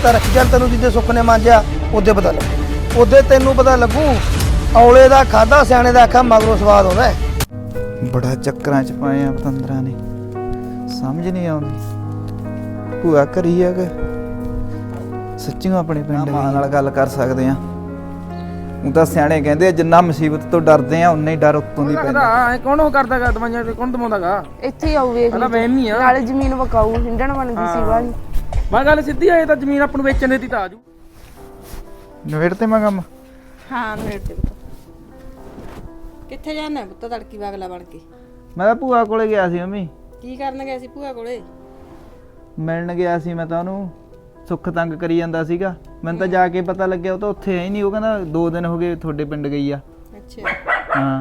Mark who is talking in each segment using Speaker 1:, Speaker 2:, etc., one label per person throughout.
Speaker 1: ਤਾਂ ਰੱਖੀ ਚੱਲ, ਤੈਨੂੰ ਜਿੱਦੇ ਸੁੱਖ ਨੇ ਮਾਂਜਿਆ ਉਹਦੇ ਪਤਾ ਲੱਗੂ, ਉਹਦੇ ਤੈਨੂੰ ਪਤਾ ਲੱਗੂ। ਔਲੇ ਦਾ ਖਾਦਾ ਸਿਆਣੇ ਦਾ ਆਖਾ ਮਗਰੋਂ ਸਵਾਦ ਆਉਂਦਾ।
Speaker 2: ਬੜਾ ਚੱਕਰਾਂ 'ਚ ਪਾਏ ਆ ਪਤੰਦਰਾਂ ਨੇ, ਸਮਝ ਨਹੀਂ ਆਉਂਦੀ। ਭੂਆ ਘਰੀ ਆ ਕਿ ਸੱਚੀ ਆਪਣੇ ਪਿੰਡ ਮਾਂ ਨਾਲ ਗੱਲ ਕਰ ਸਕਦੇ ਆ? ਉਹ ਤਾਂ ਸਿਆਣੇ ਕਹਿੰਦੇ ਆ ਜਿੰਨਾ ਮੁਸੀਬਤ ਤੋਂ ਡਰਦੇ ਆ ਉਨਾ ਹੀ ਡਰ ਉੱਤੋਂ ਦੀ ਪੈਂਦਾ।
Speaker 3: ਕੌਣ ਉਹ ਕਰਦਾਗਾ ਦਵਾਈਆਂ ਤੇ ਕੌਣ ਦਵਾਉਂਦਾਗਾ?
Speaker 4: ਇੱਥੇ ਹੀ ਆਉ ਵੇਖ
Speaker 3: ਪਹਿਲਾਂ ਵਹਿਮੀ ਆ,
Speaker 4: ਨਾਲੇ ਜ਼ਮੀਨ ਵਕਾਊ ਹਿੰਡਣ ਬਣਦੀ ਸੀ ਵਾਲੀ।
Speaker 3: ਮੈਂ ਗੱਲ ਸਿੱਧੀ ਆਏ ਤਾਂ ਜ਼ਮੀਨ ਆਪਾਂ ਨੂੰ ਵੇਚਣ ਦੇਤੀ ਤਾਂ ਆਜੂ।
Speaker 2: ਨਵੇੜ ਤੇ ਮੈਂ ਕੰਮ।
Speaker 5: ਹਾਂ ਨੇੜੇ ਤੇ ਪੁੱਤ। ਕਿੱਥੇ ਜਾਣਾ ਪੁੱਤ ਤੜਕੀ ਵਾਗਲਾ ਬਣ ਕੇ?
Speaker 2: ਮੈਂ ਤਾਂ ਭੂਆ ਕੋਲੇ ਗਿਆ ਸੀ ਮੰਮੀ।
Speaker 5: ਕੀ ਕਰਨ ਗਿਆ ਸੀ ਭੂਆ ਕੋਲੇ?
Speaker 2: ਮਿਲਣ ਗਿਆ ਸੀ ਮੈਂ ਤਾਂ ਉਹਨੂੰ, ਸੁੱਖ ਤੰਗ ਕਰੀ ਜਾਂਦਾ ਸੀਗਾ। ਮੈਨੂੰ ਤਾਂ ਜਾ ਕੇ ਪਤਾ ਲੱਗਿਆ ਉਹ ਤਾਂ ਉੱਥੇ ਹੈ ਹੀ ਨਹੀਂ। ਉਹ ਕਹਿੰਦਾ 2 ਦਿਨ ਹੋ ਗਏ ਤੁਹਾਡੇ ਪਿੰਡ ਗਈ ਆ।
Speaker 5: ਅੱਛਾ
Speaker 2: ਹਾਂ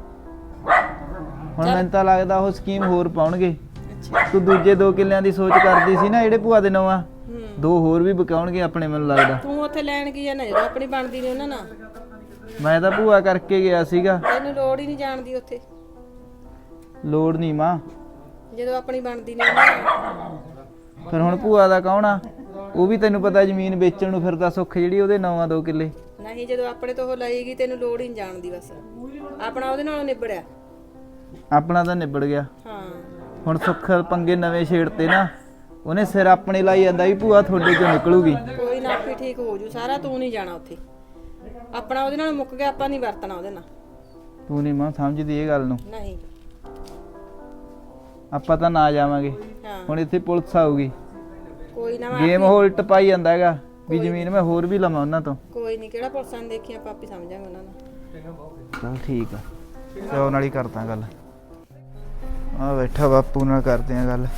Speaker 2: ਹੁਣ ਮੈਨੂੰ ਤਾਂ ਲੱਗਦਾ ਉਹ ਸਕੀਮ ਹੋਰ ਪਾਉਣਗੇ।
Speaker 5: ਅੱਛਾ
Speaker 2: ਤੂੰ ਦੂਜੇ 2 ਕਿੱਲਿਆਂ ਦੀ ਸੋਚ ਕਰਦੀ ਸੀ ਨਾ ਜਿਹੜੇ ਭੂਆ ਦੇ ਨਵਾਂ, 2 ਹੋਰ ਵੀ ਬਕਾਉਣਗੇ ਆਪਣੇ, ਮੈਨੂੰ ਲੱਗਦਾ।
Speaker 5: ਤੂੰ ਉੱਥੇ ਲੈਣ ਕੀ ਜਾਣਾ ਜਦੋਂ ਆਪਣੀ ਬਣਦੀ ਨਹੀਂ ਉਹਨਾਂ ਨਾਲ?
Speaker 2: ਮੈਂ ਤਾਂ ਭੂਆ ਕਰਕੇ ਗਿਆ ਸੀਗਾ।
Speaker 5: ਤੈਨੂੰ ਲੋੜ ਹੀ ਨਹੀਂ ਜਾਣ ਦੀ ਉੱਥੇ।
Speaker 2: ਲੋੜ ਨਹੀਂ ਮਾਂ,
Speaker 5: ਜਦੋਂ ਆਪਣੀ ਬਣਦੀ ਨਹੀਂ ਉਹਨਾਂ ਨਾਲ।
Speaker 2: ਫਿਰ ਹੁਣ ਭੂਆ ਦਾ ਕੌਣ ਆ? ਉਹ ਵੀ ਤੈਨੂੰ ਪਤਾ ਜ਼ਮੀਨ ਵੇਚਣ ਨੂੰ ਫਿਰਦਾ। ਸੁੱਖ ਜਿਹੜੀ ਉਹਦੇ ਨਵਾਂ 2 ਕਿੱਲੇ।
Speaker 5: ਨਹੀਂ ਜਦੋਂ ਆਪਣੇ ਤੋਂ ਉਹ ਲਏਗੀ ਤੈਨੂੰ ਲੋੜ ਹੀ ਨਹੀਂ ਜਾਣ ਦੀ, ਬਸ ਆਪਣਾ ਉਹਦੇ ਨਾਲੋਂ ਨਿਬੜਿਆ।
Speaker 2: ਆਪਣਾ ਤਾਂ ਨਿਬੜ ਗਿਆ।
Speaker 5: ਹਾਂ
Speaker 2: ਹੁਣ ਸੁੱਖ ਪੰਗੇ ਨਵੇਂ ਛੇੜਤੇ ਨਾ, ਉਹਨੇ ਸਿਰ ਆਪਣੇ ਲਾਈ ਜਾਂਦਾ ਵੀ ਭੂਆ ਤੁਹਾਡੇ ਚੋਂ ਨਿਕਲੂਗੀ।
Speaker 5: ਕੋਈ ਨਾ ਆਪੇ ਠੀਕ ਹੋ ਜੂ ਸਾਰਾ, ਤੂੰ ਨਹੀਂ ਜਾਣਾ ਉੱਥੇ। ਆਪਣਾ ਉਹਦੇ ਨਾਲ ਮੁੱਕ ਗਿਆ, ਆਪਾਂ ਨਹੀਂ ਵਰਤਣਾ ਉਹਦੇ ਨਾਲ।
Speaker 2: ਤੂੰ ਨਹੀਂ ਮਾਂ ਸਮਝਦੀ ਇਹ ਗੱਲ ਨੂੰ।
Speaker 5: ਨਹੀਂ
Speaker 2: ਆਪਾਂ ਤਾਂ ਨਾ ਜਾਵਾਂਗੇ।
Speaker 5: ਹਾਂ
Speaker 2: ਹੁਣ ਇੱਥੇ ਪੁਲਿਸ ਆਊਗੀ,
Speaker 5: ਕੋਈ ਨਾ
Speaker 2: ਗੇਮ ਉਲਟ ਪਾਈ ਜਾਂਦਾ ਹੈਗਾ ਵੀ ਜ਼ਮੀਨ ਮੈਂ ਹੋਰ ਵੀ ਲਵਾਂ ਉਹਨਾਂ ਤੋਂ।
Speaker 5: ਕੋਈ ਨਹੀਂ, ਕਿਹੜਾ ਪੁਲਿਸਾਂ ਨੇ ਦੇਖੀ, ਆਪਾਂ ਆਪੇ ਸਮਝਾਂਗੇ ਉਹਨਾਂ ਨੂੰ।
Speaker 2: ਚਲ ਠੀਕ ਆ, ਚੋ ਨਾਲ ਹੀ ਕਰਦਾ ਗੱਲ। ਆ ਬੈਠਾ ਬਾਪੂ ਨਾਲ ਕਰਦੇ ਆ ਗੱਲ।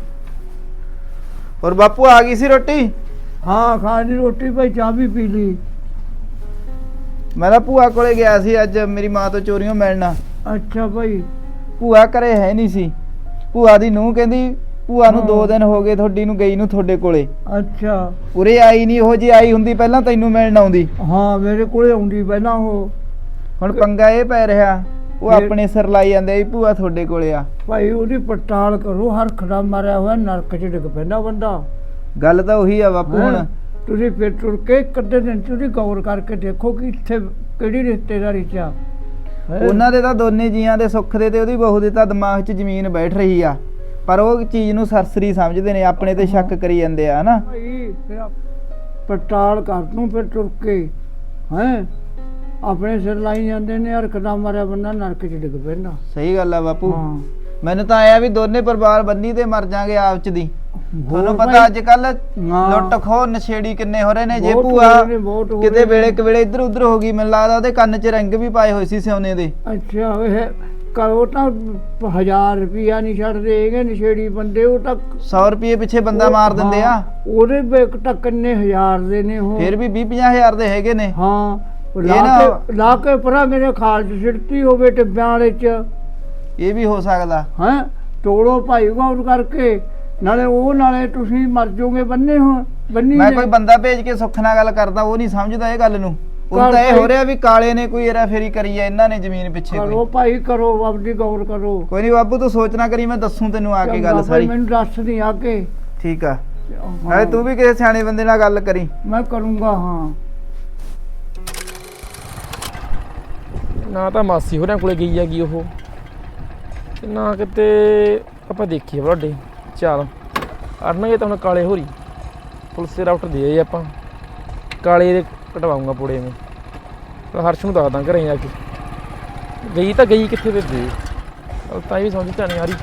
Speaker 2: ਹੋਰ ਬਾਪੂ ਆ ਗਈ ਸੀ ਰੋਟੀ?
Speaker 1: ਹਾਂ ਖਾ ਲਈ ਰੋਟੀ ਭਾਈ, ਚਾਹ ਵੀ ਪੀ ਲਈ।
Speaker 2: ਮੈਂ ਤਾਂ ਭੂਆ ਕੋਲੇ ਗਿਆ ਸੀ ਅੱਜ ਮੇਰੀ ਮਾਂ ਤੋਂ ਚੋਰੀਆਂ ਮਿਲਣਾ।
Speaker 1: ਅੱਛਾ ਭਾਈ।
Speaker 2: ਭੂਆ ਘਰੇ ਹੈ ਨਹੀਂ ਸੀ। ਭੂਆ ਦੀ ਨੂੰਹ ਕਹਿੰਦੀ ਭੂਆ ਨੂੰ 2 ਦਿਨ ਹੋ ਗਏ ਤੁਹਾਡੀ ਨੂੰ ਗਈ ਨੂੰ ਤੁਹਾਡੇ ਕੋਲੇ।
Speaker 1: ਅੱਛਾ
Speaker 2: ਉਰੇ ਆਈ ਨਹੀਂ, ਉਹ ਜੀ ਆਈ ਹੁੰਦੀ ਪਹਿਲਾਂ ਤੈਨੂੰ ਮਿਲਣ ਆਉਂਦੀ।
Speaker 1: ਹਾਂ ਮੇਰੇ ਕੋਲੇ ਆਉਂਦੀ ਪਹਿਲਾਂ ਉਹ।
Speaker 2: ਹੁਣ ਪੰਗਾ ਇਹ ਪੈ ਰਿਹਾ, ਉਹ ਆਪਣੇ ਸਿਰ ਲਾਈ ਜਾਂਦੇ ਵੀ ਭੂਆ ਤੁਹਾਡੇ ਕੋਲੇ ਆ।
Speaker 1: ਭਾਈ ਉਹਦੀ ਪੜਤਾਲ ਕਰੋ, ਹਰ ਖੜਾ ਮਾਰਿਆ ਹੋਇਆ ਨਰਕ 'ਚ ਡਿੱਗ ਪੈਂਦਾ ਬੰਦਾ।
Speaker 2: ਗੱਲ ਤਾਂ ਉਹੀ ਆ ਬਾਪੂ। ਹੁਣ
Speaker 1: ਤੁਸੀਂ ਫਿਰ ਤੁਰ ਕੇ ਇੱਕ ਅੱਧੇ ਦਿਨ ਤੁਸੀਂ ਗੌਰ ਕਰਕੇ ਦੇਖੋ ਕਿ ਇੱਥੇ ਕਿਹੜੀ ਰਿਸ਼ਤੇਦਾਰੀ 'ਚ ਆ।
Speaker 2: ਉਹਨਾਂ ਦੇ ਤਾਂ ਦੋਨੇ ਜੀਆਂ ਦੇ, ਸੁੱਖ ਦੇ ਤੇ ਉਹਦੀ ਬਹੂ ਦੇ ਤਾਂ ਦਿਮਾਗ 'ਚ ਜ਼ਮੀਨ ਬੈਠ ਰਹੀ ਆ, ਪਰ ਉਹ ਚੀਜ਼ ਨੂੰ ਸਰਸਰੀ ਸਮਝਦੇ ਨੇ, ਆਪਣੇ ਤੇ ਸ਼ੱਕ ਕਰੀ ਜਾਂਦੇ ਆ ਹਨਾ।
Speaker 1: ਭਾਈ ਫਿਰ ਪੜਤਾਲ ਕਰ ਤੂੰ ਫਿਰ ਤੁਰ ਕੇ ਹੈ ਆਪਣੇ ਸਿਰ ਲਾਈ ਜਾਂਦੇ ਨੇ। ਹਰ ਖੜਾ ਮਾਰਿਆ ਬੰਦਾ ਨਰਕ 'ਚ ਡਿੱਗ ਪੈਂਦਾ।
Speaker 2: ਸਹੀ ਗੱਲ ਆ ਬਾਪੂ।
Speaker 1: ਹਾਂ
Speaker 2: ਮੈਨੂੰ ਤਾਂ ਆਇਆ ਵੀ ਦੋਨੇ ਪਰਿਵਾਰ ਬੰਨੀ ਤੇ ਮਰ ਜਾਗੇ ਆਪ ਚ ਦੀ। ਤੁਹਾਨੂੰ ਪਤਾ ਅੱਜ ਕੱਲ ਲੁੱਟ ਖੋ ਨਸ਼ੇੜੀ ਕਿੰਨੇ ਹੋ ਰਹੇ ਨੇ। ਜੇ ਭੂਆ ਕਿਤੇ ਵੇਲੇ ਕਵੇਲੇ ਇੱਧਰ ਉੱਧਰ ਹੋ ਗਈ, ਮੈਨੂੰ ਲੱਗਦਾ ਉਹਦੇ ਕੰਨ 'ਚ ਰਿੰਗ ਵੀ ਪਾਏ ਹੋਏ ਸੀ ਸੋਨੇ ਦੇ।
Speaker 1: ਅੱਛਾ ਇਹ ਕਰੋ ਤਾਂ 1000 ਰੁਪਿਆ ਨਹੀਂ ਛੱਡਦੇ ਹੈਗੇ ਨਸ਼ੇੜੀ ਬੰਦੇ। ਉਹ ਤਾਂ
Speaker 2: 100 ਰੁਪਏ ਪਿੱਛੇ ਬੰਦਾ ਮਾਰ ਦਿੰਦੇ ਆ।
Speaker 1: ਉਹਦੇ ਵੇਕ ਤਾਂ ਕਿੰਨੇ ਹਜ਼ਾਰ ਦੇ ਨੇ ਉਹ।
Speaker 2: ਫਿਰ ਵੀ 20-50 ਹਜ਼ਾਰ ਦੇ ਹੈਗੇ ਨੇ।
Speaker 1: ਹਾਂ ਲਾ ਕੇ ਪਰਾ ਮੇਰੇ ਖਾਲ 'ਚ ਸਿੱਟਤੀ ਹੋਵੇ ਟਿੱਬਿਆਂ ਵਾਲੇ 'ਚ।
Speaker 2: ਇਹ ਵੀ ਹੋ ਸਕਦਾ
Speaker 1: ਹੈ ਤੋੜੋ ਭਾਈ ਗੌਰ ਕਰਕੇ, ਨਾਲੇ ਉਹ ਨਾਲੇ ਤੁਸੀਂ ਮਰ ਜਾਓਗੇ ਬੰਨੇ ਹੋ ਬੰਨੀ।
Speaker 2: ਮੈਂ ਕੋਈ ਬੰਦਾ ਭੇਜ ਕੇ ਸੁੱਖ ਨਾਲ ਗੱਲ ਕਰਦਾ, ਉਹ ਨਹੀਂ ਸਮਝਦਾ ਇਹ ਗੱਲ ਨੂੰ। ਉਹ ਤਾਂ ਇਹ ਹੋ ਰਿਹਾ ਵੀ ਕਾਲੇ ਨੇ ਕੋਈ ਇਹਰਾ ਫੇਰੀ ਕਰੀ ਆ ਇਹਨਾਂ ਨੇ ਜ਼ਮੀਨ ਪਿੱਛੇ।
Speaker 1: ਕਰੋ ਭਾਈ ਕਰੋ, ਆਪਦੀ ਗੌਰ ਕਰੋ।
Speaker 2: ਕੋਈ ਨਹੀਂ ਬਾਬੂ ਤੂੰ ਸੋਚ ਨਾ ਕਰੀ, ਮੈਂ ਦੱਸੂ ਤੈਨੂੰ ਆ ਕੇ ਗੱਲ ਸਾਰੀ।
Speaker 1: ਮੈਨੂੰ ਦੱਸ ਦੀ ਆ ਕੇ।
Speaker 2: ਠੀਕ ਆ, ਨਾਲੇ ਤੂੰ ਵੀ ਕਿਸੇ ਸਿਆਣੇ ਬੰਦੇ ਨਾਲ ਗੱਲ ਕਰੀ।
Speaker 1: ਮੈਂ ਕਰੂੰਗਾ। ਹਾਂ
Speaker 3: ਨਾ ਤਾਂ ਮਾਸੀ ਹੋਰਾਂ ਕੋਲੇ ਗਈ ਹੈਗੀ ਉਹ, ਤੇ ਨਾ ਕਿਤੇ ਆਪਾਂ ਦੇਖੀਏ ਵੱਡੇ। ਚੱਲ ਅੜਨਗੇ ਤਾਂ ਹੁਣ ਕਾਲੇ ਹੋਰੀ ਪੁਲਿਸ ਦੇ ਰਾਊਟਰ ਦੇ ਆਏ ਆਪਾਂ। ਕਾਲੇ ਦੇ ਕਟਵਾਉਂਗਾ ਪੁੜੇ ਮੈਂ। ਹਰਸ਼ ਨੂੰ ਦੱਸਦਾ ਘਰੇ ਜਾ ਕੇ ਗਈ ਤਾਂ ਗਈ ਕਿੱਥੇ ਤੇ ਦੇ ਤਾਂ ਵੀ ਸਮਝ ਤਾਂ ਨਹੀਂ ਆ ਰਹੀ।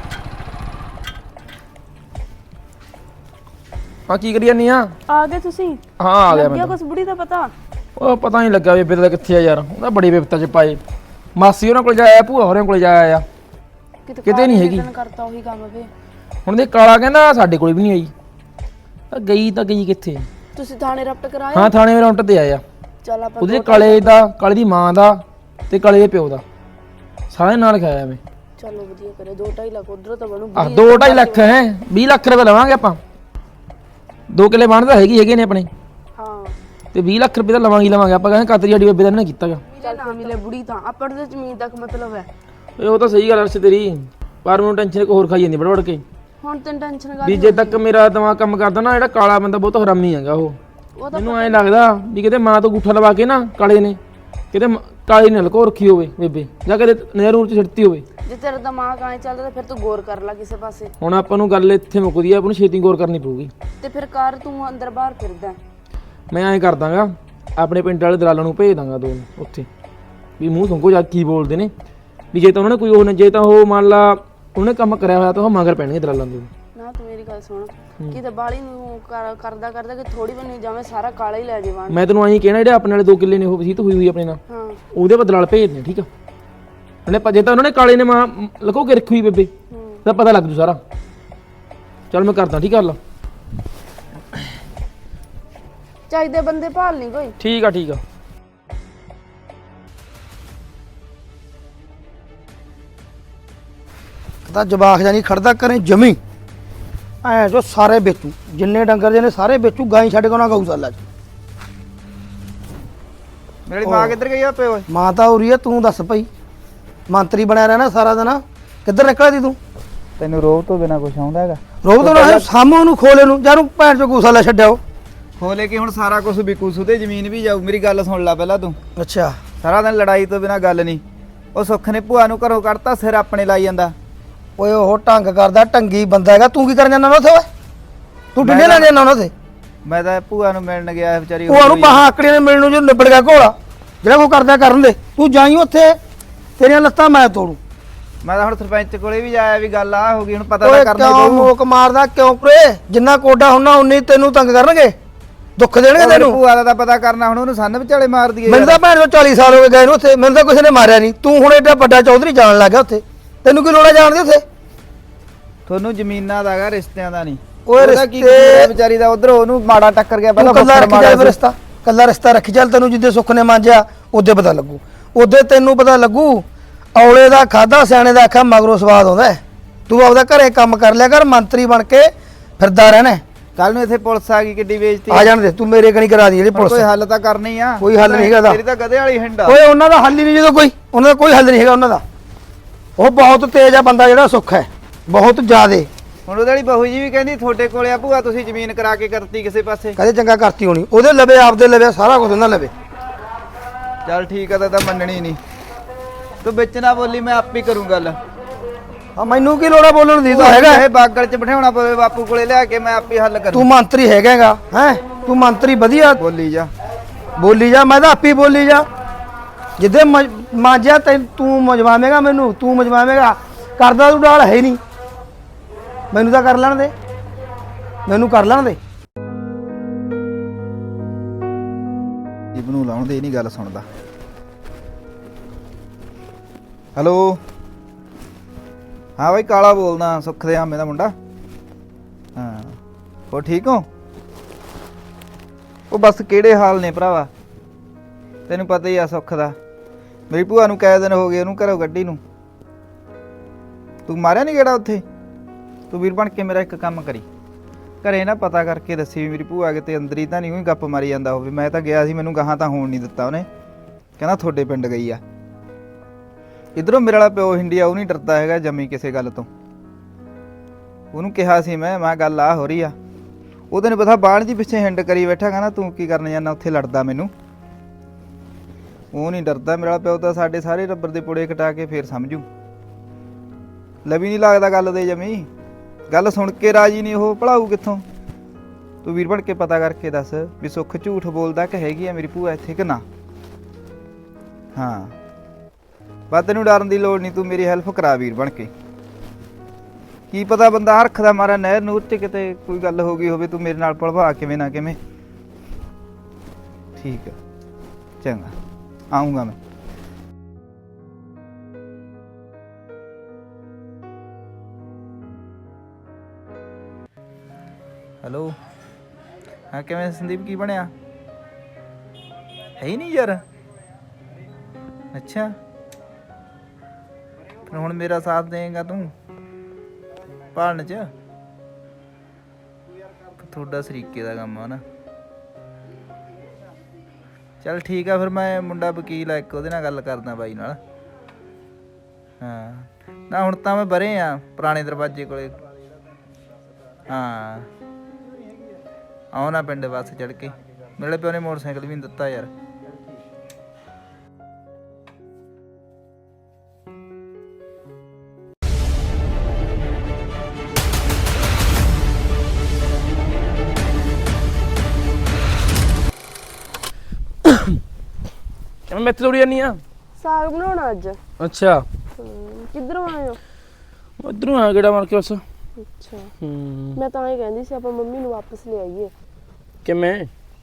Speaker 3: ਹਾਂ ਕੀ ਕਰੀ ਜਾਂਦੀ ਆ?
Speaker 4: ਆ ਗਏ ਤੁਸੀਂ?
Speaker 3: ਹਾਂ ਆ ਗਿਆ ਮੈਂ।
Speaker 4: ਕੁਛ ਬੁੜੀ ਦਾ ਪਤਾ?
Speaker 3: ਉਹ ਪਤਾ ਨਹੀਂ ਲੱਗਾ ਬੇਬੇ ਦਾ ਕਿੱਥੇ ਆ ਯਾਰ। ਉਹਦਾ ਬੜੀ ਵਿਪਤਾ 'ਚ ਪਾਏ। ਮਾਸੀ ਉਹਨਾਂ ਕੋਲ ਜਾਇਆ, ਭੂਆ ਹੋਰਾਂ ਕੋਲ ਜਾਇਆ ਆ, ਕਿਤੇ ਨਹੀਂ ਹੈਗੀ।
Speaker 4: ਕਰਤਾ ਉਹੀ ਕੰਮ ਵੇ।
Speaker 3: ਹੁਣ ਦੇ ਕਾਲਾ ਕਹਿੰਦਾ ਸਾਡੇ ਕੋਲ ਵੀ ਨਹੀਂ ਆਈ। ਤਾਂ ਗਈ ਕਿੱਥੇ?
Speaker 4: ਤੁਸੀਂ ਥਾਣੇ ਰਪਟ ਕਰਾਇਆ?
Speaker 3: ਹਾਂ ਥਾਣੇ ਰਾਉਂਟ ਤੇ ਆਇਆ।
Speaker 4: ਚੱਲ ਆਪਾਂ
Speaker 3: ਉਹਦੇ ਕਾਲੇ ਦੀ ਮਾਂ ਦਾ ਤੇ ਕਾਲੇ ਦੇ ਪਿਓ ਦਾ ਸਾਰੇ ਨਾਲ ਖਾਇਆ ਮੈਂ।
Speaker 4: ਚਲੋ ਵਧੀਆ ਕਰੇ। 2-2.5 ਲੱਖ ਉਧਰ ਤਾਂ ਬਣੂ।
Speaker 3: 2-2.5 ਲੱਖ ਹੈ, 20 ਲੱਖ ਰੁਪਏ ਲਵਾਂਗੇ ਆਪਾਂ। 2 ਕਿੱਲੇ ਬਣਦਾ ਹੈਗੇ ਨੇ ਆਪਣੇ।
Speaker 4: ਹਾਂ
Speaker 3: ਤੇ 20 ਲੱਖ ਰੁਪਏ ਤਾਂ ਲਵਾਂਗੇ ਆਪਾਂ। ਕਹਿੰਦੇ ਕਾਤਰੀ ਸਾਡੀ ਬੇਬੇ ਦਾ ਨਾ ਕੀਤਾਗਾ।
Speaker 4: ਚੱਲ ਨਾ ਮਿਲੇ ਬੁੜੀ ਤਾਂ ਆਪਾਂ ਨੂੰ ਜ਼ਮੀਨ ਤੱਕ ਮਤਲਬ ਹੈ।
Speaker 3: ਉਹ ਤਾਂ ਸਹੀ ਗੱਲ ਅਰਸ਼ ਤੇਰੀ, ਪਰ ਮੈਨੂੰ ਟੈਨਸ਼ਨ ਇੱਕ ਹੋਰ ਖਾਈ ਜਾਂਦੀ ਵੜ ਕੇ।
Speaker 4: ਹੁਣ ਤੈਨੂੰ ਟੈਨਸ਼ਨ ਕਰ
Speaker 3: ਵੀ ਜੇ ਤੱਕ ਮੇਰਾ ਦਿਮਾਗ ਕੰਮ ਕਰਦਾ ਨਾ, ਜਿਹੜਾ ਕਾਲਾ ਬੰਦਾ ਬਹੁਤ ਹਰਾਮੀ ਹੈਗਾ ਉਹ।
Speaker 4: ਉਹ ਤਾਂ
Speaker 3: ਮੈਨੂੰ ਐਂ ਲੱਗਦਾ ਵੀ ਕਿਤੇ ਮਾਂ ਤੋਂ ਅੰਗੂਠਾ ਲਵਾ ਕੇ ਨਾ ਕਾਲੇ ਨੇ ਕਿਤੇ ਕਾਲੀ ਨੇ ਲਕੋ ਰੱਖੀ ਹੋਵੇ ਬੇਬੇ, ਜਾਂ ਕਿਤੇ ਨਹਿਰੂ ਚ ਛਿੜਤੀ ਹੋਵੇ।
Speaker 4: ਜੇ ਤੇਰਾ ਦਿਮਾਗ ਐਂ ਚੱਲਦਾ ਤਾਂ ਫਿਰ ਤੂੰ ਗੌਰ ਕਰ ਲੈ ਕਿਸੇ ਪਾਸੇ।
Speaker 3: ਹੁਣ ਆਪਾਂ ਨੂੰ ਗੱਲ ਇੱਥੇ ਮੁੱਕਦੀ ਆ, ਆਪਾਂ ਨੂੰ ਛੇਤੀ ਗੌਰ ਕਰਨੀ ਪਊਗੀ।
Speaker 4: ਤੇ ਫਿਰ ਕਰ, ਤੂੰ ਅੰਦਰ ਬਾਹਰ ਫਿਰਦਾ।
Speaker 3: ਮੈਂ ਐਂ ਕਰ ਦਾਂਗਾ, ਆਪਣੇ ਪਿੰਡ ਵਾਲੇ ਦਲਾਲਾਂ ਨੂੰ ਭੇਜ ਦਾਂਗਾ ਦੋ ਉੱਥੇ, ਵੀ ਮੂੰਹ ਸੰਗੋ ਜਾ ਕੀ ਬੋਲਦੇ ਨੇ, ਵੀ ਜੇ ਤਾਂ ਉਹਨਾਂ ਨੇ ਕੋਈ ਉਹ ਜੇ ਤਾਂ ਉਹ ਮੰਨ ਲਾ ਉਹਨੇ ਕੰਮ ਕਰਿਆ ਹੋਇਆ ਤਾਂ ਉਹ ਮਗਰ ਪੈਣਗੇ ਦਲਾਲਾਂ ਦੇ।
Speaker 4: ਨਾ ਤੂੰ ਮੇਰੀ ਗੱਲ ਸੁਣ, ਕਿਤੇ ਬਾਲੀ ਨੂੰ ਕਰਦਾ ਕਿ ਥੋੜੀ ਬਣੀ ਜਾਵੇਂ ਸਾਰਾ ਕਾਲਾ ਹੀ ਲੈ ਜਾਵਾਂ।
Speaker 3: ਮੈਂ ਤੈਨੂੰ ਐਂ ਕਹਿਣਾ, ਜਿਹੜੇ ਆਪਣੇ ਵਾਲੇ 2 ਕਿੱਲੇ ਨੇ ਉਹ ਵਸੀਤ ਹੋਈ ਆਪਣੇ ਨਾਲ,
Speaker 4: ਹਾਂ
Speaker 3: ਉਹਦੇ ਬਦਲਾਲ ਭੇਜ ਦੇ, ਠੀਕ ਆ। ਉਹਨੇ ਜੇ ਤਾਂ ਉਹਨਾਂ ਨੇ ਕਾਲੇ ਨੇ ਮਾਂ ਲਕੋ ਕੇ ਰੱਖੀ ਹੋਈ ਬੇਬੇ, ਤਾਂ ਪਤਾ ਲੱਗ ਜੂ ਸਾਰਾ। ਚੱਲ ਮੈਂ ਕਰਦਾ, ਠੀਕ ਆ ਲਾ।
Speaker 4: ਚਾਹੀਦੇ ਬੰਦੇ ਭਾਲ ਨਹੀਂ ਕੋਈ।
Speaker 3: ਠੀਕ ਆ ਠੀਕ ਆ।
Speaker 6: ਤਾਂ ਜਵਾਖ ਜਾਨੀ ਖੜਦਾ ਕਰੇ ਜਮੀ ਐ ਜੋ ਸਾਰੇ ਵੇਚੂ, ਜਿੰਨੇ ਡੰਗਰ ਜਿਹਨੇ ਸਾਰੇ ਵੇਚੂ, ਗਾਈ ਛੱਡ ਕੇ ਉਹਨਾਂ ਗਊਸ਼ਾਲਾ 'ਚ।
Speaker 2: ਮੇਰੀ ਮਾਂ ਕਿੱਧਰ ਗਈ ਆ ਪੇ ਓਏ?
Speaker 6: ਮਾਂ ਤਾਂ ਉਰੀ ਆ, ਤੂੰ ਦੱਸ ਭਾਈ, ਮੰਤਰੀ ਬਣਿਆ ਰਹਿਣਾ ਸਾਰਾ ਦਿਨ, ਕਿੱਧਰ ਨਿਕਲਿਆ ਸੀ ਤੂੰ?
Speaker 2: ਤੈਨੂੰ ਰੋਹ ਤੋਂ ਬਿਨਾ ਕੁਝ ਆਉਂਦਾ ਹੈਗਾ?
Speaker 6: ਰੋਬ ਤੋਂ ਨਾ ਸਾਹਮਣੇ ਨੂੰ ਖੋਲੇ ਨੂੰ, ਜਾਨੂੰ ਭੈਣ ਚੋ ਗਊਸ਼ਾਲਾ ਛੱਡਿਓ।
Speaker 2: ਖੋਲੇ ਕਿ ਹੁਣ ਸਾਰਾ ਕੁਝ ਵਿਕੂ ਸੁਦੇ, ਜ਼ਮੀਨ ਵੀ ਜਾਊ। ਮੇਰੀ ਗੱਲ ਸੁਣ ਲੈ ਪਹਿਲਾਂ ਤੂੰ।
Speaker 6: ਅੱਛਾ
Speaker 2: ਸਾਰਾ ਦਿਨ ਲੜਾਈ ਤੋਂ ਬਿਨਾ ਗੱਲ ਨਹੀਂ। ਉਹ ਸੁੱਖ ਨੇ ਭੂਆ ਨੂੰ ਘਰੋਂ ਕੱਢਤਾ, ਸਿਰ ਆਪਣੇ ਲਾਈ ਜਾਂਦਾ।
Speaker 6: ਓਏ ਉਹ ਢੰਗ ਕਰਦਾ, ਢੰਗੀ ਬੰਦਾ ਹੈਗਾ। ਤੂੰ ਕੀ ਕਰਨ ਜਾਂਦਾ ਨਾ ਉੱਥੇ ਓਏ? ਤੂੰ ਡਿੰਡੇ ਲੈਣ ਜਾਂਦਾ ਉਹਨਾਂ ਤੇ?
Speaker 2: ਮੈਂ ਤਾਂ ਭੂਆ ਨੂੰ ਮਿਲਣ ਗਿਆ, ਵਿਚਾਰੀ
Speaker 6: ਭੂਆ ਨੂੰ ਬਾਹਾਂ ਆਕੜੀਆਂ ਨੇ ਮਿਲਣ ਨੂੰ, ਜੋ ਨਿਬੜ ਗਿਆ ਘੋੜਾ। ਜਿਹੜਾ ਕੋ ਕਰਦਾ ਕਰਨ ਦੇ, ਤੂੰ ਜਾਈ ਉੱਥੇ, ਤੇਰੀਆਂ ਲੱਤਾਂ ਮੈਂ ਤੋੜੂ।
Speaker 2: ਮੈਂ ਤਾਂ ਹੁਣ ਸਰਪੰਚ ਕੋਲੇ ਵੀ ਜਾਇਆ, ਵੀ ਗੱਲ ਆ ਹੋ ਗਈ, ਹੁਣ ਪਤਾ
Speaker 6: ਓਏ
Speaker 2: ਤਾਂ ਕਰਨਾ
Speaker 6: ਕਿਉਂ
Speaker 2: ਪਊ।
Speaker 6: ਮੋਕ ਮਾਰਦਾ ਕਿਉਂ ਪਰੇ? ਜਿੰਨਾ ਕੋਡਾ ਹੁੰਨਾ ਉਨੀ ਤੈਨੂੰ ਤੰਗ ਕਰਨਗੇ, ਦੁੱਖ ਦੇਣਗੇ
Speaker 2: ਮੇਰੀ
Speaker 6: ਤੈਨੂੰ।
Speaker 2: ਭੂਆ ਦਾ ਤਾਂ ਪਤਾ ਕਰਨਾ, ਹੁਣ ਉਹਨੂੰ ਸੰਨ ਵਿਚਾਲੇ ਮਾਰ ਦਈਏ।
Speaker 6: ਮੈਨੂੰ ਤਾਂ ਭੈਣ ਚੋ 40 ਸਾਲ ਹੋ ਗਏ ਗਏ ਨੂੰ ਉੱਥੇ, ਮੈਨੂੰ ਤਾਂ ਕਿਸੇ ਨੇ ਮਾਰਿਆ ਨਹੀਂ। ਤੂੰ ਹੁਣ ਏਡਾ ਵੱਡਾ ਚੌਧਰੀ ਜਾਣ ਲੱਗ ਗਿਆ ਉੱਥੇ, ਤੈਨੂੰ ਕੀ ਲੋੜ ਹੈ ਜਾਣ ਦੀ ਉੱਥੇ?
Speaker 2: ਤੁਹਾਨੂੰ ਜ਼ਮੀਨਾਂ ਦਾ ਹੈਗਾ, ਰਿਸ਼ਤਿਆਂ ਦਾ ਨਹੀਂ।
Speaker 6: ਓਏ
Speaker 2: ਉਹਦਾ ਕੀ
Speaker 6: ਰਿਸ਼ਤੇ-
Speaker 2: ਕਸੂਰ ਹੈ ਵਿਚਾਰੀ ਦਾ? ਉਧਰ ਉਹਨੂੰ ਮਾੜਾ ਟੱਕਰ ਗਿਆ,
Speaker 6: ਤੂੰ
Speaker 2: ਪਹਿਲਾਂ
Speaker 6: ਕੱਲਾ
Speaker 2: ਫੱਫੜ
Speaker 6: ਰੱਖੀ
Speaker 2: ਮਾਰਿਆ
Speaker 6: ਚੱਲ
Speaker 2: ਸੀ।
Speaker 6: ਰਿਸ਼ਤਾ, ਕੱਲਾ ਰਿਸ਼ਤਾ ਰੱਖੀ ਚੱਲ। ਤੈਨੂੰ ਜਿੱਦੇ ਸੁੱਖ ਨੇ ਮਾਂਜਿਆ ਉਹਦੇ ਪਤਾ ਲੱਗੂ, ਉਹਦੇ ਤੈਨੂੰ ਪਤਾ ਲੱਗੂ। ਔਲੇ ਦਾ ਖਾਦਾ ਸਿਆਣੇ ਦਾ ਆਖਾ ਮਗਰੋਂ ਸਵਾਦ ਆਉਂਦਾ ਹੈ। ਤੂੰ ਆਪਦਾ ਘਰੇ ਕੰਮ ਕਰ ਲਿਆ ਕਰ, ਮੰਤਰੀ ਬਣ ਕੇ ਫਿਰਦਾ ਰਹਿਣਾ।
Speaker 2: ਕੱਲ ਨੂੰ ਇੱਥੇ ਪੁਲਿਸ ਆ ਗਈ, ਕਿੱਡੀ ਬੇਇੱਜ਼ਤੀ।
Speaker 6: ਆ ਜਾਣ ਦੇ, ਤੂੰ ਮੇਰੇ ਕਣੀ ਕਰਾ ਦੀ ਜਿਹੜੀ
Speaker 2: ਕੋਈ
Speaker 6: ਪੁਲਿਸ।
Speaker 2: ਹੱਲ ਤਾਂ ਕਰਨਾ ਹੀ ਆ।
Speaker 6: ਕੋਈ ਹੱਲ ਨਹੀਂ ਹੈਗਾ ਇਹਦਾ।
Speaker 2: ਤੇਰੀ ਤਾਂ ਗਧੇ ਵਾਲੀ ਹਿੰਡ ਆ।
Speaker 6: ਓਏ ਉਹਨਾਂ ਦਾ ਹੱਲ ਹੀ ਨਹੀਂ, ਜਦੋਂ ਕੋਈ ਉਹਨਾਂ ਦਾ ਕੋਈ ਹੱਲ ਨਹੀਂ ਹੈਗਾ ਉਹਨਾਂ ਦਾ। ਉਹ ਬਹੁਤ ਤੇਜ਼ ਆ ਬੰਦਾ ਜਿਹੜਾ ਸੁੱਖ ਹੈ, ਬਹੁਤ ਜ਼ਿਆਦੇ।
Speaker 2: ਹੁਣ ਉਹਦੇ ਵਾਲੀ ਬਹੂ ਜੀ ਵੀ ਕਹਿੰਦੀ ਤੁਹਾਡੇ ਕੋਲੇ ਆ ਭੂਆ, ਤੁਸੀਂ ਜ਼ਮੀਨ ਕਰਾ ਕੇ ਕਰਤੀ ਕਿਸੇ ਪਾਸੇ।
Speaker 6: ਕਦੇ ਚੰਗਾ ਕਰਤੀ ਹੋਣੀ, ਉਹਦੇ ਲਵੇ ਆਪਦੇ ਲਵੇ ਸਾਰਾ ਕੁਝ ਉਹਨਾਂ ਲਵੇ।
Speaker 2: ਚੱਲ ਠੀਕ ਆ, ਤਾਂ ਮੰਨਣੀ ਨਹੀਂ। ਤੂੰ ਵਿੱਚ ਨਾ ਬੋਲੀ, ਮੈਂ ਆਪ ਹੀ ਕਰੂੰ ਗੱਲ।
Speaker 6: ਆ ਮੈਨੂੰ ਕੀ ਲੋੜਾ ਬੋਲਣ ਦੀ? ਤਾਂ ਹੈਗਾ
Speaker 2: ਇਹ ਬਾਗਲ ਚ ਬਿਠਾਉਣਾ ਪਵੇ ਬਾਪੂ ਕੋਲੇ ਲਿਆ ਕੇ, ਮੈਂ ਆਪ ਹੀ ਹੱਲ ਕਰੂੰ।
Speaker 6: ਤੂੰ ਮੰਤਰੀ ਹੈਗਾਗਾ ਹੈ, ਤੂੰ ਮੰਤਰੀ ਵਧੀਆ
Speaker 2: ਬੋਲੀ ਜਾ।
Speaker 6: ਬੋਲੀ ਜਾ, ਮੈਂ ਤਾਂ ਆਪੀ ਬੋਲੀ ਜਾ। ਜਿੱਦੇ ਮਾਂਜਿਆ ਤੂੰ ਮਜਵਾਵੇਂਗਾ ਮੈਨੂੰ, ਤੂੰ ਮਜਵਾਵੇਂਗਾ। ਕਰਦਾ ਤੂੰ ਡਾਲ ਹੈ ਨਹੀਂ, ਮੈਨੂੰ ਤਾਂ ਕਰ ਲੈਣ ਦੇ, ਮੈਨੂੰ ਕਰ ਲੈਣ ਦੇ।
Speaker 2: ਨੂੰ ਲਾਉਣ ਦੇ, ਇਹ ਨਹੀਂ ਗੱਲ ਸੁਣਦਾ। ਹੈਲੋ, ਹਾਂ ਬਾਈ ਕਾਲਾ ਬੋਲਦਾ, ਸੁੱਖ ਦੇ ਆਮੇ ਦਾ ਮੁੰਡਾ। ਹਾਂ ਹੋ ਠੀਕ ਹੋ? ਉਹ ਬਸ ਕਿਹੜੇ ਹਾਲ ਨੇ ਭਰਾਵਾ, ਤੈਨੂੰ ਪਤਾ ਹੀ ਆ ਸੁੱਖ ਦਾ। ਮੇਰੀ ਭੂਆ ਨੂੰ ਕਈ ਦਿਨ ਹੋ ਗਏ ਉਹਨੂੰ ਘਰੋਂ ਗੱਡੀ ਨੂੰ। ਤੂੰ ਮਾਰਿਆ ਨਹੀਂ ਗੇੜਾ ਉੱਥੇ? ਤੂੰ ਵੀਰ ਬਣ ਕੇ ਮੇਰਾ ਇੱਕ ਕੰਮ ਕਰੀ, ਘਰੇ ਨਾ ਪਤਾ ਕਰਕੇ ਦੱਸੀ ਵੀ ਮੇਰੀ ਭੂਆ ਕਿਤੇ ਅੰਦਰ ਹੀ ਤਾਂ ਨਹੀਂ ਕੋਈ ਗੱਪ ਮਾਰੀ ਜਾਂਦਾ ਹੋਵੇ। ਮੈਂ ਤਾਂ ਗਿਆ ਸੀ, ਮੈਨੂੰ ਗਾਹਾਂ ਤਾਂ ਹੋਣ ਨਹੀਂ ਦਿੱਤਾ ਉਹਨੇ, ਕਹਿੰਦਾ ਤੁਹਾਡੇ ਪਿੰਡ ਗਈ ਆ। ਇਧਰੋਂ ਮੇਰੇ ਵਾਲਾ ਪਿਓ ਹਿੰਡੀਆ, ਉਹ ਨਹੀਂ ਡਰਦਾ ਹੈਗਾ ਜੰਮੀ ਕਿਸੇ ਗੱਲ ਤੋਂ। ਉਹਨੂੰ ਕਿਹਾ ਸੀ ਮੈਂ ਗੱਲ ਆ ਹੋ ਰਹੀ ਆ। ਉਹਦੇ ਨੇ ਪਤਾ ਬਾਣ ਜੀ ਪਿੱਛੇ ਹਿੰਡ ਕਰੀ ਬੈਠਾ, ਕਹਿੰਦਾ ਤੂੰ ਕੀ ਕਰਨ ਜਾਂਦਾ ਉੱਥੇ, ਲੜਦਾ ਮੈਨੂੰ। ਉਹ ਨਹੀਂ ਡਰਦਾ ਮੇਰਾ ਪਿਓ ਤਾਂ, ਸਾਡੇ ਸਾਰੇ ਰੱਬਰ ਦੇ ਪੁੜੇ ਕਟਾ ਕੇ ਫੇਰ ਸਮਝੂ। ਲਵੀ ਨਹੀਂ ਲੱਗਦਾ ਗੱਲ ਦੇ ਜਮੀ, ਗੱਲ ਸੁਣ ਕੇ ਰਾਜੀ ਨਹੀਂ ਉਹ, ਭਲਾਊ ਕਿੱਥੋਂ? ਤੂੰ ਵੀਰ ਬਣ ਕੇ ਪਤਾ ਕਰਕੇ ਦੱਸ ਵੀ ਸੁੱਖ ਝੂਠ ਬੋਲਦਾ ਕਿ ਹੈਗੀ ਆ ਮੇਰੀ ਭੂਆ ਇੱਥੇ ਕਿ ਨਾ। ਹਾਂ ਬਸ ਤੈਨੂੰ ਡਰਨ ਦੀ ਲੋੜ ਨਹੀਂ, ਤੂੰ ਮੇਰੀ ਹੈਲਪ ਕਰਾ ਵੀਰ ਬਣ ਕੇ। ਕੀ ਪਤਾ ਬੰਦਾ ਹਰਖ ਦਾ ਮਾਰਾ ਨਹਿਰ ਨੂਰ 'ਚ ਕਿਤੇ ਕੋਈ ਗੱਲ ਹੋ ਗਈ ਹੋਵੇ, ਤੂੰ ਮੇਰੇ ਨਾਲ ਭਲਵਾ ਕਿਵੇਂ ਨਾ ਕਿਵੇਂ। ਠੀਕ ਹੈ ਚੰਗਾ, ਆਉਂਗਾ ਮੈਂ। ਹੈਲੋ, ਹਾਂ ਕਿਵੇਂ ਸੰਦੀਪ, ਕੀ ਬਣਿਆ? ਹੈ ਹੀ ਨਹੀਂ ਯਾਰ। ਅੱਛਾ ਫਿਰ ਹੁਣ ਮੇਰਾ ਸਾਥ ਦੇਂਗਾ ਤੂੰ ਭਾਲਣ 'ਚ? ਤੁਹਾਡਾ ਸਰੀਕੇ ਦਾ ਕੰਮ ਆ ਨਾ। ਚੱਲ ਠੀਕ ਆ, ਫਿਰ ਮੈਂ ਮੁੰਡਾ ਵਕੀਲ ਆ ਇੱਕ, ਉਹਦੇ ਨਾਲ ਗੱਲ ਕਰਦਾ ਬਾਈ ਨਾਲ। ਹਾਂ ਨਾ ਹੁਣ ਤਾਂ ਮੈਂ ਬਰੇ ਆ ਪੁਰਾਣੇ ਦਰਵਾਜ਼ੇ ਕੋਲੇ, ਹਾਂ ਆਉਣਾ ਪਿੰਡ ਬੱਸ ਚੜ ਕੇ ਮੇਰੇ ਪਿਓ ਨੇ ਮੋਟਰਸਾਈਕਲ ਵੀ ਨਹੀਂ ਦਿੱਤਾ ਯਾਰ।
Speaker 3: ਕਿਵੇਂ ਮੈਥੇ ਤੋੜੀ ਜਾਨੀ ਆ?
Speaker 4: ਸਾਗ ਬਣਾਉਣਾ ਅੱਜ।
Speaker 3: ਅੱਛਾ
Speaker 4: ਕਿੱਧਰੋਂ ਆਏ ਹੋ?
Speaker 3: ਉਧਰੋਂ ਆ ਗੇੜਾ ਮਾਰ ਕੇ ਬਸ।
Speaker 4: ਅੱਛਾ
Speaker 3: ਹੂੰ
Speaker 4: ਮੈਂ ਤਾਂ ਇਹ ਕਹਿੰਦੀ ਸੀ ਆਪਾਂ ਮੰਮੀ ਨੂੰ ਵਾਪਸ ਲੈ ਆਈਏ।
Speaker 3: ਕਿਵੇਂ?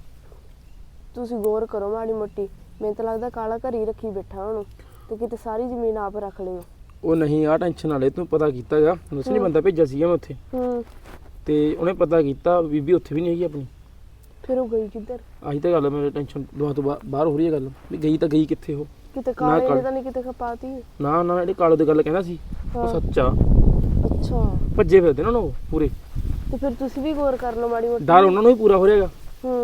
Speaker 4: ਤੁਸੀਂ ਗੌਰ ਕਰੋ ਮਾੜੀ ਮੋਟੀ। ਮੈਨੂੰ ਤਾਂ ਲੱਗਦਾ ਕਾਲਾ ਘਰ ਹੀ ਰੱਖੀ ਬੈਠਾ ਉਹਨੂੰ ਤੇ ਕਿਤੇ ਸਾਰੀ ਜ਼ਮੀਨ ਆਪ ਰੱਖ ਲਿਓ।
Speaker 3: ਉਹ ਨਹੀਂ ਆ ਟੈਨਸ਼ਨ ਨਾ ਲੈ ਤੂੰ ਪਤਾ ਕੀਤਾ ਗਾ ਦੱਸ ਨਹੀਂ ਬੰਦਾ ਭੇਜਿਆ ਸੀਗਾ ਮੈਂ ਉੱਥੇ ਤੇ ਉਹਨੇ ਪਤਾ ਕੀਤਾ ਬੀਬੀ ਉੱਥੇ ਵੀ ਨਹੀਂ ਹੈਗੀ ਆਪਣੀ।
Speaker 4: ਫਿਰ ਉਹ ਗਈ ਕਿੱਧਰ?
Speaker 3: ਆਹੀ ਤਾਂ ਗੱਲ ਮੇਰੇ ਟੈਨਸ਼ਨ ਦੁਆ ਤੋਂ ਬਾਹਰ ਹੋ ਰਹੀ ਹੈ ਗੱਲ ਵੀ ਗਈ ਤਾਂ ਗਈ ਕਿੱਥੇ ਉਹ।
Speaker 4: ਕਿਤੇ ਕਾਲੇ ਨੇ ਤਾਂ ਨਹੀਂ ਕਿਤੇ ਖਪਾਤੀ?
Speaker 3: ਨਾ ਨਾ ਜਿਹੜੀ ਕਾਲੋ ਦੀ ਗੱਲ ਕਹਿੰਦਾ ਸੀ ਉਹ ਸੱਚ ਆ।
Speaker 4: ਅੱਛਾ
Speaker 3: ਭੱਜੇ ਫਿਰਦੇ ਨਾ ਉਹ ਪੂਰੇ।
Speaker 4: ਤੇ ਫਿਰ ਤੁਸੀਂ ਵੀ ਗੌਰ ਕਰ ਲਓ ਮਾੜੀ ਮੋਟੀ।
Speaker 3: ਡਰ ਉਹਨਾਂ ਨੂੰ ਹੀ ਪੂਰਾ ਹੋ ਰਿਹਾਗਾ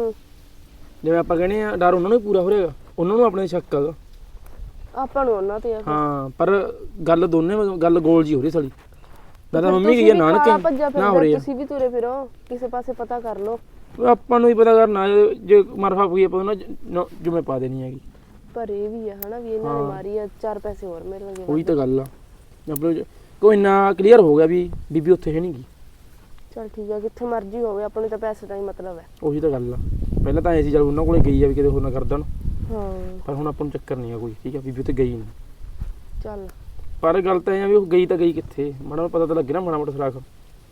Speaker 3: ਜਿਵੇਂ ਆਪਾਂ ਕਹਿੰਦੇ ਆ ਡਰ ਉਹਨਾਂ ਨੂੰ ਹੀ ਪੂਰਾ ਹੋ ਰਿਹਾਗਾ ਉਹਨਾਂ ਨੂੰ ਆਪਣੇ ਸ਼ੱਕ ਹੈਗਾ
Speaker 4: ਆਪਾਂ ਨੂੰ ਉਹਨਾਂ ਤੇ ਆ।
Speaker 3: ਹਾਂ ਪਰ ਗੱਲ ਦੋਨੇ ਗੱਲ ਗੋਲ ਜੀ ਹੋ ਰਹੀ ਸਾਲੀ। ਮੈਂ ਤਾਂ ਮੰਮੀ ਗਈ ਆ ਨਾਨਕੇ ਨਾ ਹੋ ਰਹੀ ਆ।
Speaker 4: ਤੁਸੀਂ ਵੀ ਤੁਰੇ ਫਿਰੋ ਕਿਸੇ ਪਾਸੇ ਪਤਾ ਕਰ ਲਓ।
Speaker 3: ਆਪਾਂ ਨੂੰ ਹੀ ਪਤਾ ਕਰਨਾ ਜੇ ਮਰਫਾ ਪਈ ਆਪਾਂ ਨਾ ਜਿਵੇਂ ਪਾ ਦੇਣੀ ਹੈਗੀ।
Speaker 4: ਪਰ ਇਹ ਵੀ ਆ ਹਨਾ ਵੀ ਇਹਨਾਂ ਨੇ ਮਾਰੀ ਆ 4 ਪੈਸੇ ਹੋਰ ਮਿਲਣਗੇ।
Speaker 3: ਉਹੀ ਤਾਂ ਗੱਲ ਆ ਆਪਣੇ ਕੋਈ ਨਾ ਕਲੀਅਰ ਹੋ ਗਿਆ ਵੀ ਬੀਬੀ ਉੱਥੇ ਹੈ ਨਹੀਂ ਗੀ।
Speaker 4: ਚਲ ਠੀਕ ਆ ਕਿੱਥੇ ਮਰਜ਼ੀ ਹੋਵੇ ਆਪਾਂ ਨੂੰ ਤਾਂ ਪੈਸੇ ਦਾ ਹੀ ਮਤਲਬ ਹੈ।
Speaker 3: ਉਹੀ ਤਾਂ ਗੱਲ ਆ ਪਹਿਲਾਂ ਤਾਂ ਐ ਸੀ ਚਲ ਉਹਨਾਂ ਕੋਲੇ ਗਈ ਆ ਵੀ ਕਿਤੇ ਹੋਰ ਨਾ ਕਰ ਦੇਣ
Speaker 4: ਹਾਂ
Speaker 3: ਪਰ ਹੁਣ ਆਪਾਂ ਨੂੰ ਚੱਕਰ ਨਹੀਂ ਆ ਕੋਈ ਠੀਕ ਆ ਬੀਬੀ ਉੱਥੇ ਗਈ ਨਹੀਂ।
Speaker 4: ਚੱਲ
Speaker 3: ਪਰ ਗੱਲ ਤਾਂ ਇਹ ਆ ਵੀ ਉਹ ਗਈ ਤਾਂ ਗਈ ਕਿੱਥੇ ਮਾੜਾ ਪਤਾ ਤਾਂ ਲੱਗੇ ਨਾ ਮਾੜਾ ਮੋਟਾ ਸੁਰਾਖ।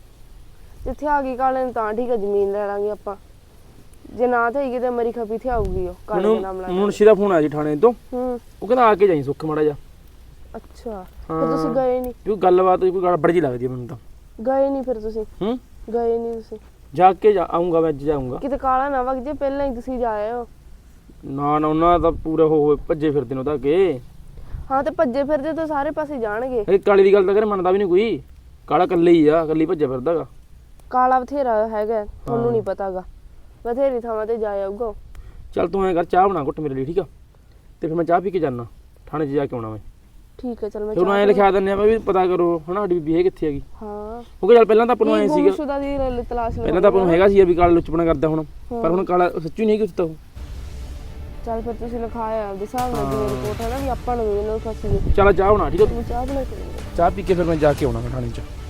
Speaker 4: ਜਿੱਥੇ ਆ ਗਈ ਕਾਲੇ ਨੂੰ ਤਾਂ ਠੀਕ ਆ ਜ਼ਮੀਨ ਲੈ ਲਾਂਗੇ ਆਪਾਂ। ਜੇ ਨਾ ਤੇ ਕਿਤੇ ਮਰੀ ਖਪੀ ਤੇ ਆਊਗੀ ਉਹ ਕਾਲੇ ਦੇ ਨਾਮ ਲਾ ਕੇ।
Speaker 3: ਮੁਨਸ਼ੀ ਦਾ ਫੋਨ ਆਇਆ ਜੀ ਥਾਣੇ ਤੋਂ ਉਹ ਕਹਿੰਦਾ ਆ ਕੇ ਜਾਈ ਸੁੱਖ ਮਾੜਾ ਜਾ।
Speaker 4: ਅੱਛਾ ਫਿਰ ਤੁਸੀਂ ਗਏ ਨਹੀਂ?
Speaker 3: ਕੋਈ ਗੱਲਬਾਤ ਕੋਈ ਗੜਬੜ ਜੀ ਲੱਗਦੀ ਆ ਮੈਨੂੰ ਤਾਂ।
Speaker 4: ਗਏ ਨਹੀਂ ਫਿਰ ਤੁਸੀਂ? ਗਏ ਨਹੀਂ ਤੁਸੀਂ?
Speaker 3: ਜਾ ਕੇ ਆਉਂਗਾ ਮੈਂ ਅੱਜ ਜਾਊਂਗਾ।
Speaker 4: ਕਿਤੇ ਕਾਲਾ ਨਾ ਵਗ ਜੇ ਪਹਿਲਾਂ ਹੀ ਤੁਸੀਂ ਜਾਏ ਹੋ।
Speaker 3: ਨਾ ਨਾ ਉਹਨਾਂ ਦਾ ਪੂਰਾ ਹੋਏ ਭੱਜੇ ਫਿਰਦੇ ਨੇ ਉਹਦਾ ਅੱਗੇ।
Speaker 4: ਹਾਂ ਤੇ ਭੱਜੇ ਫਿਰਦੇ ਤਾਂ ਸਾਰੇ ਪਾਸੇ ਜਾਣਗੇ।
Speaker 3: ਇਹ ਕਾਲੀ ਦੀ ਗੱਲ ਤਾਂ ਕਰੇ ਮੰਨਦਾ ਵੀ ਨਹੀਂ ਕੋਈ। ਕਾਲਾ ਇਕੱਲੇ ਹੀ ਆ ਇਕੱਲੀ ਭੱਜਿਆ ਫਿਰਦਾਗਾ।
Speaker 4: ਕਾਲਾ ਬਥੇਰਾ ਹੈਗਾ ਤੁਹਾਨੂੰ ਨਹੀਂ ਪਤਾਗਾ ਬਥੇਰੀ ਥਾਵਾਂ ਤੇ ਜਾ ਆਊਗਾ।
Speaker 3: ਚੱਲ ਤੂੰ ਐਂ ਕਰ ਚਾਹ ਬਣਾ ਘੁੱਟ ਮੇਰੇ ਲਈ ਠੀਕ ਆ ਤੇ ਫਿਰ ਮੈਂ ਚਾਹ ਪੀ ਕੇ ਜਾਣਾ ਥਾਣੇ 'ਚ ਜਾ ਕੇ ਆਉਣਾ ਮੈਂ।
Speaker 4: ਠੀਕ ਹੈ ਚਲ ਮੈਂ
Speaker 3: ਉਹਨੂੰ ਐਂ ਲਿਖਾ ਦਿੰਦੇ ਆ ਵੀ ਪਤਾ ਕਰੋ ਹਨਾ ਸਾਡੀ ਬੀਬੀ ਹੈ ਕਿੱਥੇ ਹੈਗੀ।
Speaker 4: ਹਾਂ
Speaker 3: ਕਿਉਂਕਿ ਚੱਲ ਪਹਿਲਾਂ ਤਾਂ ਆਪਾਂ ਨੂੰ ਐਂ ਸੀਗਾ
Speaker 4: ਗੁੰਮਸ਼ੁਦਾ ਦੀ ਤਲਾਸ਼
Speaker 3: ਪਹਿਲਾਂ ਤਾਂ ਆਪਾਂ ਨੂੰ ਹੈਗਾ ਸੀ ਵੀ ਕਾਲਾ ਲੁੱਚਪਣਾ ਕਰਦਾ ਹੁਣ ਪਰ ਹੁਣ ਕਾਲਾ ਸੱਚੀ ਨਹੀਂ ਕਿ ਉਹ।
Speaker 4: ਚੱਲ ਫਿਰ ਤੁਸੀਂ ਲਿਖਾਇਆ ਆਪਦੇ ਹਿਸਾਬ ਨਾਲ ਜਿਵੇਂ ਰਿਪੋਰਟ ਹੈ ਨਾ ਵੀ ਆਪਾਂ ਨੂੰ ਵੀ ਇਹਨਾਂ ਨੂੰ ਫਸੀ।
Speaker 3: ਚੱਲ ਚਾਹ ਬਣਾ ਠੀਕ ਆ
Speaker 4: ਤੂੰ ਚਾਹ ਬਣਾ ਕੇ
Speaker 3: ਚਾਹ ਪੀ ਕੇ ਫਿਰ ਮੈਂ ਜਾ ਕੇ ਆਉਣਾ ਥਾਣੇ 'ਚ।